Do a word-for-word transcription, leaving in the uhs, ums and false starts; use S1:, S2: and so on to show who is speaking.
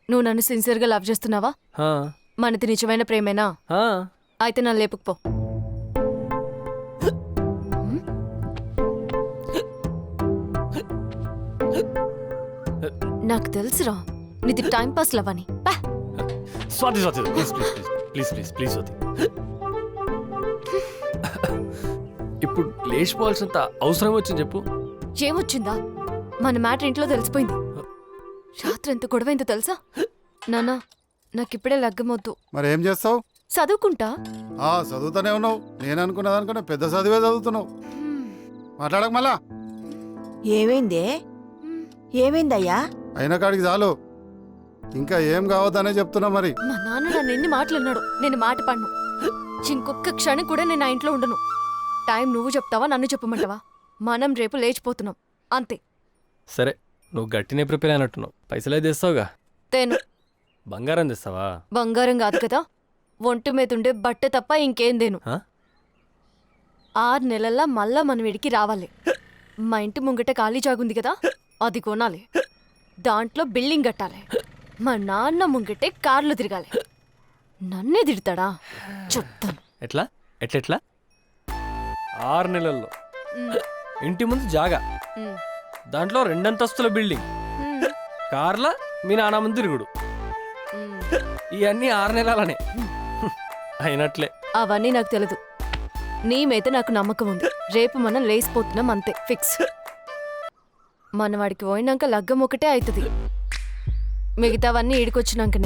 S1: నువ్వు నన్ను సిన్సియర్గా లవ్ చేస్తున్నావా?
S2: హా,
S1: మనది నిజమైన ప్రేమేనా?
S2: హా.
S1: అయితే నన్ను లేపుకుపో. నాకు తెలుసురా నీది టైం పాస్ లవ్ అని. పా.
S2: Swathi Swathi please please please please please Swathi. ఇప్పుడు లేచిపోవాల్సినంత అవసరం వచ్చింది చెప్పు.
S1: ఏమొచ్చిందా? మన మ్యాటర్ ఇంట్లో తెలిసిపోయింది. రాత్రి ఎంత గొడవైందో తెలుసా? నానా నాకిప్పుడే లగ్గమొద్దు.
S3: మరి ఏం చేస్తావు?
S1: చదువుకుంటా.
S3: ఆ చదువుతూనే ఉన్నావు. నేను అనుకున్న దానికన్నా పెద్ద చదివే చదువుతున్నావు. మాట్లాడక మళ్ళా.
S4: ఏమైందే? ఏమైందయ్యా?
S3: అయిన కాడికి చాలు. ఇంకా ఏం కావద్దనే చెప్తున్నా. మరి
S1: మా నాన్న నన్ను ఎన్ని మాటలన్నాడు. నేను మాట పడ్ను. ఇంకొక్క క్షణం కూడా నేను ఆ ఇంట్లో ఉండను. టైం నువ్వు చెప్తావా నన్ను చెప్పమంటావా? మనం రేపు లేచిపోతున్నాం అంతే.
S2: సరే నువ్వు గట్టినే ప్రిపేర్ అయినట్టున్నావు. పైసలే తెస్తావుగా.
S1: తేను.
S2: బంగారం తెస్తావా?
S1: బంగారం కాదు కదా, ఒంటి మీద ఉండే బట్ట తప్ప ఇంకేం దేను.
S2: హా?
S1: ఆరు నెలల్లో మళ్ళా మన వీడికి రావాలి. మా ఇంటి ముంగట ఖాళీ జాగుంది కదా, అది కొనాలి. దాంట్లో బిల్డింగ్ కట్టాలి. మా నాన్న ముంగటే కార్లు తిరగాలి. నన్నే తిడతాడా? చెప్తాను.
S2: ఎట్లా ఎట్లెట్లా? ఆరు నెలల్లో ఇంటి ముందు జాగా,
S1: ఉమ్,
S2: దాంట్లో రెండంతస్తుల బిల్డింగ్,
S1: ఉమ్,
S2: కార్ల మీ నాన్న ముందు తిరుగుడు.
S1: ఉమ్.
S2: ఇవన్నీ ఆరు నెలలనే అయినట్లే.
S1: అవన్నీ నాకు తెలీదు. నీ మీద నాకు నమ్మకం ఉంది. రేపు మనం లేసిపోతున్నాం అంతే, ఫిక్స్. మన వాడికి పోయినాక లగ్గం ఒకటే అవుతుంది. మిగతావన్నీ ఈడికొచ్చినాకనే.